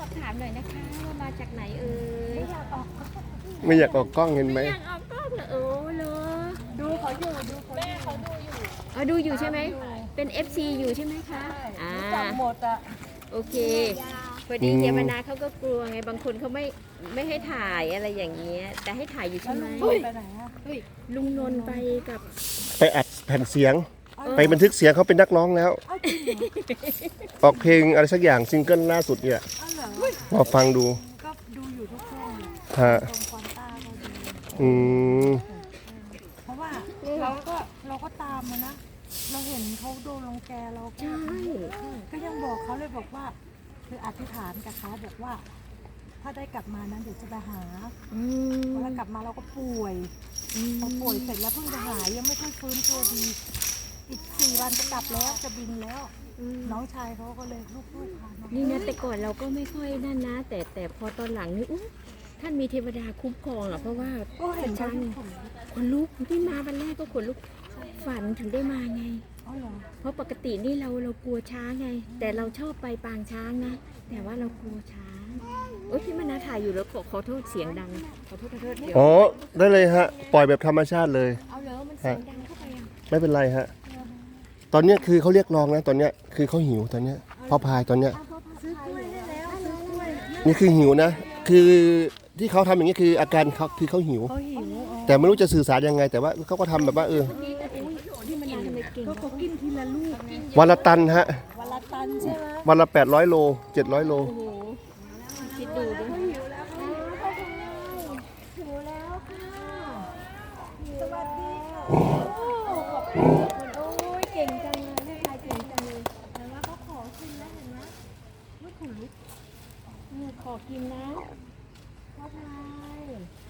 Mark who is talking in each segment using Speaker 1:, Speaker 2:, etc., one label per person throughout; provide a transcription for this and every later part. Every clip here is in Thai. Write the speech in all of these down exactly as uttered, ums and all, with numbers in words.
Speaker 1: อบถามหน่อยนะคะว่ามาจากไหนเอ่ยไม่อยากออก
Speaker 2: ไม่อยากออกกล้องเห็นไหม
Speaker 1: ไม่อยากออกกล้องเหรอโอ้เหรอดูเขาอยู่ดูเขาแม่เขาดูอยู่อ๋อดูอยู่ใช่ไหมเป็น เอฟ ซี อยู่ใช่ไหมคะอ่า
Speaker 3: จับหมดอ่ะ
Speaker 1: โอเคพอดีเจมนาเขาก็กลัวไงบางคนเขาไม่ไม่ให้ถ่ายอะไรอย่างเงี้ยแต่ให้ถ่ายอยู่ใช่ไหม
Speaker 3: ไปไหนอ่ะ
Speaker 1: ลุงนนท์ไปกับ
Speaker 2: ไปอัดแผ่นเสียง ไปบันทึกเสียงเขาเป็นนักร้องแล้ว ออกเพลงอะไรสักอย่างซิงเกิลล่าสุดเนี่ยมาฟังดู
Speaker 3: ก็ดูอยู่ทุกช่อง
Speaker 2: ฮะ
Speaker 3: ตรงควอนต้าก็ดู
Speaker 2: อืม
Speaker 3: เพราะว่าเราก็เราก็ตามมานะเราเห็นเขาโดนรังแกเราก็ก็ยังบอกเขาเลยบอกว่าคืออธิษฐานกับเขาบอกว่า ถ้าได้กลับมานั้นเดี๋ยวจะไปหาเวลากลับมาเราก็ป่วยพอป่วยเสร็จแล้วเพิ่งจะหายยังไม่ค่อยฟื้นตัวดีอีกสี่วันจะกลับแล้วจะบินแล้วน้องชายเขาก็เลยลูกๆพามา
Speaker 1: นี่นะแต่ก่อนเราก็ไม่ค่อยนั่นนะแต่แต่พอตอนหลังนี่อุ๊ยท่านมีเทวดาคุ้มครองอ่ะเพราะว่าช้างคนลุกที่มาวันแรกก็ขนลุกฝันถึงได้มาไงเพราะปกตินี่เราเรากลัวช้างไงแต่เราชอบไปปางช้างนะแต่ว่าเรากลัวช้างโอ๊ยพี่มนาถ่ายอยู่แล้วขอขอโทษเสียงดังขอโทษขอโทษเดี๋ยว
Speaker 2: อ๋อได้เลยฮะปล่อยแบบธรรมชาติเลย
Speaker 1: เอาเลยมันเสียงดังเข้าไปอ่ะ
Speaker 2: ไม่เป็นไรฮะตอนนี้คือเขาเรียกร้องนะตอนนี้คือเขาหิวตอนนี้พ่อพายตอนนี้
Speaker 3: ซื้อกล้วยได้แล้วซื้อกล้วย
Speaker 2: นี่คือหิวนะคือที่เขาทำอย่างนี้คืออาการเขาคือเขาหิวแต่ไม่รู้จะสื่อสารยังไงแต่ว่าเขาก็ทำแบบว่าเออ
Speaker 3: ก็เขากินทีละลูก
Speaker 2: วันละตันฮะ
Speaker 3: วันละตันใช่ไหม
Speaker 2: วันละแปดร้อยโลเจ็ดร้อยโล
Speaker 1: คิดดูดิ
Speaker 3: หิวแล้วหิวแล้วค่ะสวัสดีค่ะโอ้ยเก่งจังเลยแม่ชายเก่งจังเลยแต่ว่าเขาขอกินแล้วเห็นไหมลูกขนลุก
Speaker 1: ขอกินนะ
Speaker 3: พ่อพาย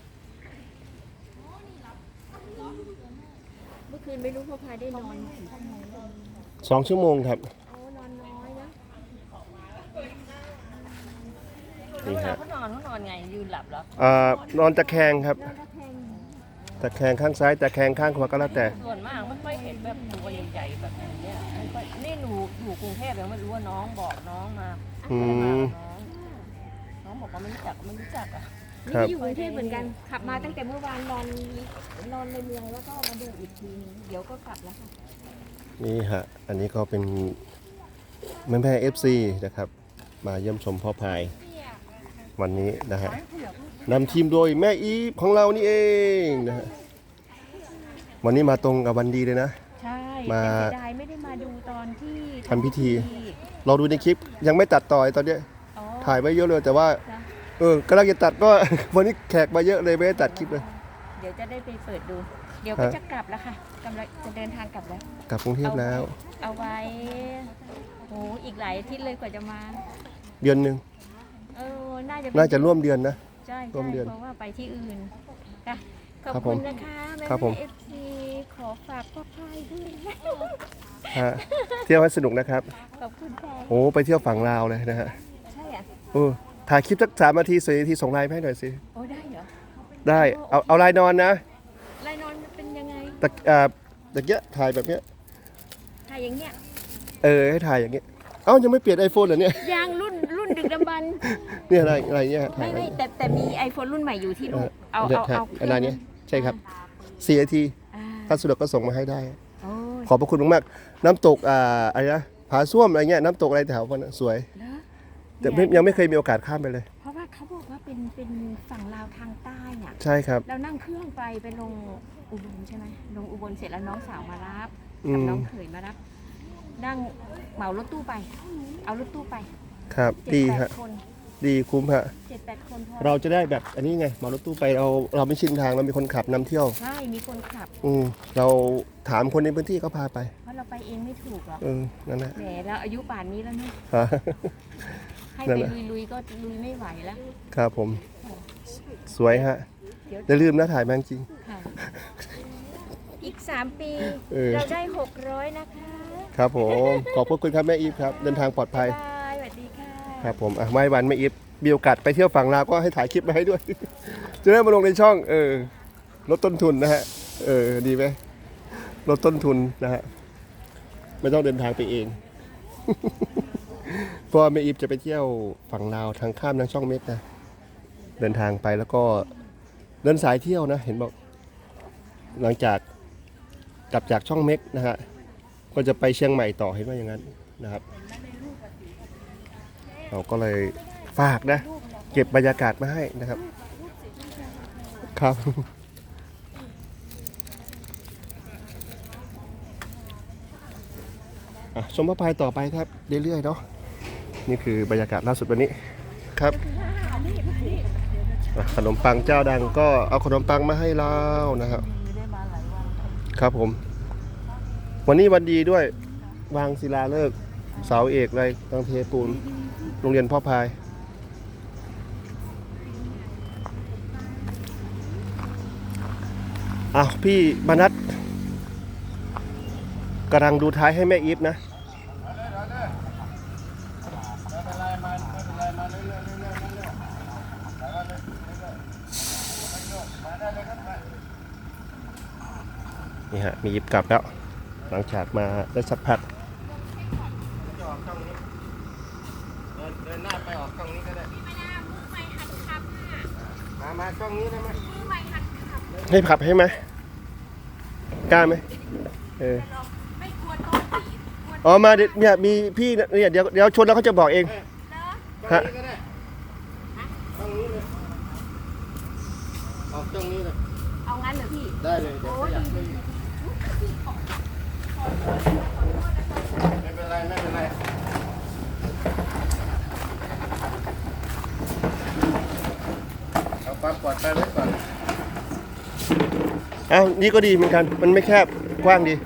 Speaker 1: เมื่อคืนไม่รู้พ่อพายได้นอน
Speaker 2: สองชั่วโมงครับ
Speaker 1: โอ้นอนน้อยนะ
Speaker 2: นี่ฮะ
Speaker 1: เขานอนเขานอนไงยืนหลับเหรอ
Speaker 2: อ่านอนตะแคงครับตะแคงข้างซ้ายตะแคงข้างขวาก็แล้วแต่
Speaker 1: ส่วนมากไม่ค่อยเห็นแบบตัวใหญ่ๆแบบนี้นี่หนูอยู่กรุงเทพยังไม่รู้ว่าน้องบอกน้องมา
Speaker 2: อืม
Speaker 1: น้องบอกว่าไม่รู้จักไม่รู้จักอ่ะ
Speaker 2: นี่
Speaker 1: อยู่กรุงเทพเหมือนกันขับมาตั้งแต่เมื่อวานนอนนอนในเมืองแล้วก็มาดูอีกทีนึงเดี๋ยวก็กลับแล้วค่ะ
Speaker 2: นี่ฮะอันนี้ก็เป็นแม่แม่เอฟซีนะครับมาเยี่ยมชมพ่อพายวันนี้นะฮะนำทีมโดยแม่อีฟของเรานี่เองนะฮะวันนี้มาตรงกับวันดีเลยนะ
Speaker 1: ใช่มาเสียดายไม่ได้มาดูตอนที่
Speaker 2: ทำพิธีเราดูในคลิปยังไม่ตัดต่อตอนนี้ถ่ายไว้เยอะเลยแต่ว่าเออกำลังจะตัดก็วันนี้แขกมาเยอะเลยไม่ได้ตัดคลิปเลย
Speaker 1: เดี๋ยวจะได้ไปเปิดดูเดี๋ยวก็จะกลับแล้วค่ะกำลังจะเดินทางกลับแล้ว
Speaker 2: กลับกรุงเทพแล้ว
Speaker 1: เอาไว้โอ้อีกหลายอาทิตย์เลยกว่าจะมา
Speaker 2: เดือนหนึ่ง
Speaker 1: เออน่าจะ
Speaker 2: น่าจะร่วมเดือนนะ
Speaker 1: ใช่
Speaker 2: ร่วมเดือน
Speaker 1: เพราะว่าไปที่อื่นค่ะขอบคุณนะคะแม่เอฟซีขอฝากพ่อพายด้วย
Speaker 2: ฮะเที่ยวให้สนุกนะครับ
Speaker 1: ขอบคุณค่ะ
Speaker 2: โอ้ไปเที่ยวฝั่งลาวเลยนะฮะ
Speaker 1: ใช่อ่ะ
Speaker 2: เออถ่ายคลิปสักสามนาทีสี่นาทีส่งไลน์ให้หน่อยสิ
Speaker 1: โอ้ได้เหรอ
Speaker 2: ได้เอาเอาไลน์นอนนะ
Speaker 1: ไลน์นอนเป็นยังไง
Speaker 2: ตะอ่าตะเกียบถ่ายแบบเนี้ย
Speaker 1: ถ่ายอย่างเงี้ย
Speaker 2: เออให้ถ่ายอย่างเงี้ยเอ้ายังไม่เปลี่ยนไอโฟนเหรอเนี่ย
Speaker 1: ยังรุ่นรุ่นดึกดำบรรพ์
Speaker 2: เนี่ยอะไรอะไรเงี้ย
Speaker 1: ไม่ไม่แต่แต่มีไอโฟนรุ่นใหม่อยู่ที่ลูกเอาเอาเอา
Speaker 2: อะไรเนี้ยใช่ครับสี่นาทีถ้าสะดวกก็ส่งมาให้ได้ขอบพระคุณมากๆน้ำตกอ่าอะไรนะผาส้วมอะไรเงี้ยน้ำตกอะไรแถวนั้นสวยแต่ยังไม่เคยมีโอกาสข้ามไปเลย
Speaker 1: เพราะว่าเขาบอกว่าเป็นเป็นฝั่งลาวทางใต้เนี่ย
Speaker 2: ใช่ครับ
Speaker 1: เรานั่งเครื่องไปไปลงอุบลใช่ไหมลงอุบลเสร็จแล้วน้องสาวมารับกับน้องเขยมารับนั่งเหมารถตู้ไปเอารถตู้ไป
Speaker 2: ครับดีฮะดีคุ้มฮะ
Speaker 1: เจ็ดแปดคน
Speaker 2: เราจะได้แบบอันนี้ไงเหมารถตู้ไปเราเราไม่ชินทางเรามีคนขับนำเที่ยว
Speaker 1: ใช่มีคนขับ
Speaker 2: อืมเราถามคนในพื้นที่เขาพาไป
Speaker 1: เพราะเราไปเองไม่ถูกหรอก
Speaker 2: เออนั่นแหละ
Speaker 1: แหมเราอายุป่านนี้แล้วเนาะให้ไปลุยๆก็ลุยไม่ไหวแล้ว
Speaker 2: ครับผมสวยฮะอย่าลืมนะถ่ายแมงจริง
Speaker 1: อีกสามปีเราได้หกร้อยนะคะ
Speaker 2: ครับผมขอบพระคุณครับแม่อีฟครับเดินทางปลอดภัย
Speaker 1: สวัสดีค่ะ
Speaker 2: ครับผมอ่ะไม่วันแม่อีฟมีโอกาสไปเที่ยวฝั่งลาวก็ให้ถ่ายคลิปมาให้ด้วยจะได้มาลงในช่องเออลดต้นทุนนะฮะเออดีไหมลดต้นทุนนะฮะไม่ต้องเดินทางไปเองเพราะว่าแม่อีฟจะไปเที่ยวฝั่งลาวทางข้ามทางช่องเม็กนะเดินทางไปแล้วก็เดินสายเที่ยวนะเห็นบอกหลังจากกลับจากช่องเม็กนะฮะก็จะไปเชียงใหม่ต่อเห็นว่าอย่างนั้นนะครับเราก็เลยฝากนะเก็บบรรยากาศมาให้นะครับครับอ่ะชมพระพายต่อไปครับเรื่อยๆเนาะนี่คือบรรยากาศล่าสุดวันนี้ครับอ่ะขนมปังเจ้าดังก็เอาขนมปังมาให้เรานะครับครับผมวันนี้วันดีด้วยวางศิลาฤกษ์เสาเอกอะไรตังเทปูนโรงเรียนพ่อพายอ้าวพี่มนัสกำลังดูท้ายให้แม่อีฟนะนี่ฮะมีอีฟกลับแล้วหลังจากมาได้สักพักเดินหน้าไปออกกล้องนี้ก็ได้มา มากล้องนี้ได้ไหมให้ขับให้ไหมกล้าไหมเอออ๋อมาเนี่ยมีพี่เนี่ยเดี๋ยวเดี๋ยวชนแล้วเขาจะบอกเองฮะกล้องนี้เลยออกกล้องนี้เลยเอางั้นเหรอพี่ได้เลยเดี๋ยวขยับไม่เป็นไรไม่เป็นไรเอาความปลอดภัยไว้ก่อนอ้าวนี่ก็ดีเหมือนกันมันไม่แคบกว้างดี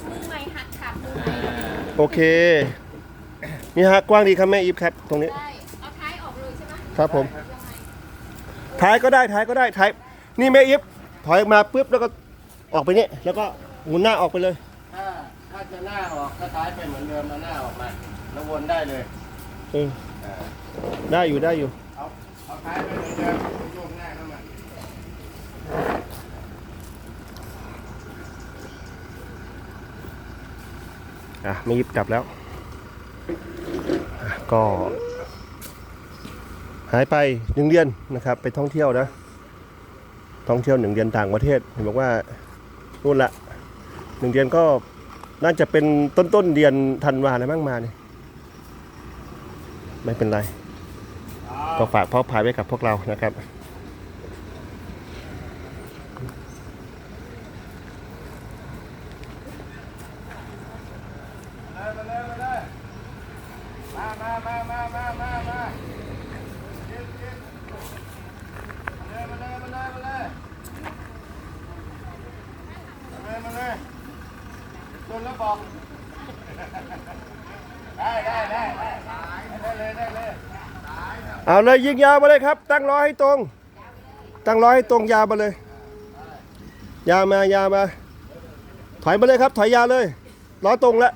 Speaker 2: โอเคนี่ฮะกว้างดีครับแม่อีฟครับตรงนี้เอาท้ายออกเลยใช่ไหมครับผมท้ายก็ได้ท้ายก็ได้ท้ายนี่แม่อีฟถอยออกมาปุ๊บแล้วก็ออกไปนี่แล้วก็หมุนหน้าออกไปเลยถ้าถ้าจะหน้าออกก็ท้ายไปเหมือนเดิมเอาหน้าออกมาแล้ววนได้เลยเออได้อยู่ได้อยู่เอาเอาท้ายไปเหมือนเดิมโยกหน้าเข้ามาอ่ะไม่ยิบกลับแล้วก็หายไปหนึ่งเดือนนะครับไปท่องเที่ยวนะท่องเที่ยวหนึ่งเดือนต่างประเทศเห็นบอกว่านู่นละหนึ่งเดือนก็น่าจะเป็นต้นต้นเดือนธันวาอะไรบ้างมาเนี่ยไม่เป็นไรก็ฝากพ่อพายไว้กับพวกเรานะครับมามามามามามามายืนยืนมาเลยมาเลยมาเลยมาเลยมาเลยมาเลยจนแล้วบอกได้ได้ได้ได้เลยได้เลยเอาเลยยิงยาวมาเลยครับตั้งล้อให้ตรงตั้งล้อให้ตรงยาวมาเลยยาวมายาวมาถอยมาเลยครับถอยยาวเลยล้อตรงแล้ว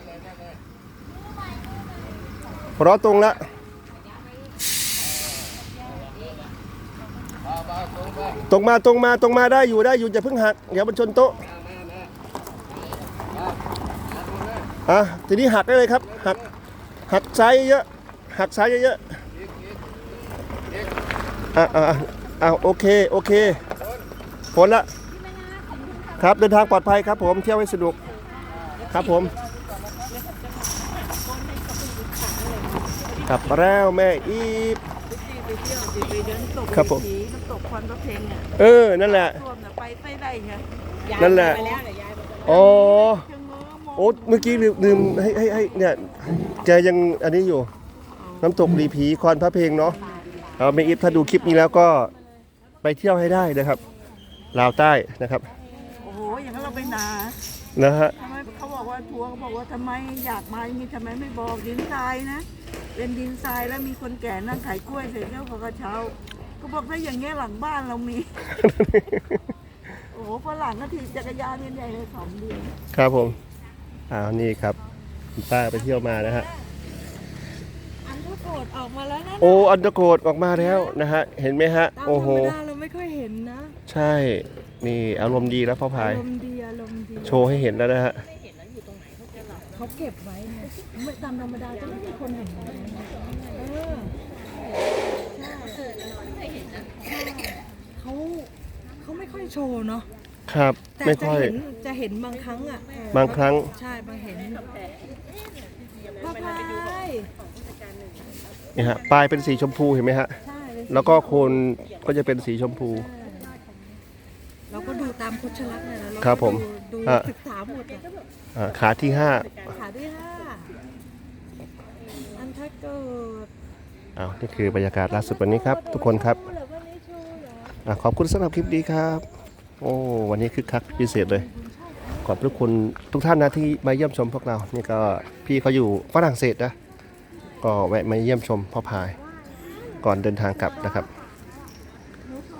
Speaker 2: ล้อตรงแล้วตรงมาตรงมาตรงมาได้อยู่ได้อยู่จะเพิ่งหักเดี๋ยวมันชนโต๊ะอ่ะทีนี้หักได้เลยครับหักหักซ้ายเยอะหักซ้ายเยอะอ่ะอ่ะอ่ะโอเคโอเคพ้นละครับเดินทางปลอดภัยครับผมเที่ยวให้สนุกครับผมกลับมาแล้วแม่อีฟครับผมน้ำตกควันพระเพลงเออนั่นแหละไปไม่ได้ไงนั่นแหละอ๋อโอ้เมื่อกี้ลืมลืมให้ให้ให้เนี่ยแกยังอันนี้อยู่น้ำตกรีผีควันพระเพลงเนาะเอาแม่อีฟถ้าดูคลิปนี้แล้วก็ไปเที่ยวให้ได้นะครับลาวใต้นะครับ
Speaker 3: โอ้โหอย่างนั้นเราไปนา
Speaker 2: นะฮะ
Speaker 3: ทำไมเขาบอกว่าทัวร์เขาบอกว่าทำไมอยากมามีทำไมไม่บอกดินทรายนะเป็นดินทรายแล้วมีคนแก่นั่งขายกล้วยเสร็จแล้วเขาก็เช้าก็บอกถ้าอย่างเงี้ยหลังบ้านเรามี โอ้โหฝรั่งก็ถีบจักรยานใหญ่เลยสองเดือน
Speaker 2: ครับผมอ้าวนี่ครับคุณป้าไปเที่ยวมานะฮะ
Speaker 3: อันเดอร์โกดออกมาแล้วนะ
Speaker 2: โอ้อันเดอร์โกดออกมาแล้วนะฮะเห็นไหมฮะโอ้โห
Speaker 3: เราไม่ค่อยเห็นนะ
Speaker 2: ใช่นี่อารมณ์ดีแล้วพ่อพาย
Speaker 3: อารมณ์ดีอารมณ์ดี
Speaker 2: โชว์ให้เห็นแล้วนะฮะ
Speaker 3: เขาเก็บไว้ไงไม่ตามธรรมดาจะไม่มีคนเห็นแบบนั้นนะเออใช่ใช่เขาเขาไม่ค่อยโชว์เนาะ
Speaker 2: ครับ
Speaker 3: แต่
Speaker 2: ไม่
Speaker 3: จะ
Speaker 2: ค่อย
Speaker 3: เห็นจะเห็นบางครั้งอ่ะเออบ
Speaker 2: างครั้ง
Speaker 3: ใช่บางเห็นพ่อพาย
Speaker 2: นี่ฮะปลายเป็นสีชมพูเห็นไหมฮะ
Speaker 3: ใช่เป็นสี
Speaker 2: แล้วก็โคนก็จะเป็นสีชมพู
Speaker 3: ใช่เราก็ดูตามโคชลักษณ์เนี่ยนะเราก็
Speaker 2: ครับผม
Speaker 3: ดู
Speaker 2: อ่ะ
Speaker 3: ศึกษาหมดอะ
Speaker 2: อ่าขาที่ห้า
Speaker 3: ขาที่ห้าอันถ้าเกิด
Speaker 2: อ้าวนี่คือบรรยากาศล่าสุดวันนี้ครับ ทุกคนครับ
Speaker 3: เหรอวันนี้ชูเหรอ
Speaker 2: อ่ะขอบคุณสำหรับคลิปนี้ครับ โอ้วันนี้คึกคักพิเศษเลย ขอบพระคุณทุกท่านนะที่มาเยี่ยมชมพวกเรา นี่ก็พี่เขาอยู่ฝรั่งเศสนะ ก็แวะมาเยี่ยมชมพ่อพาย ก่อนเดินทางกลับนะครับ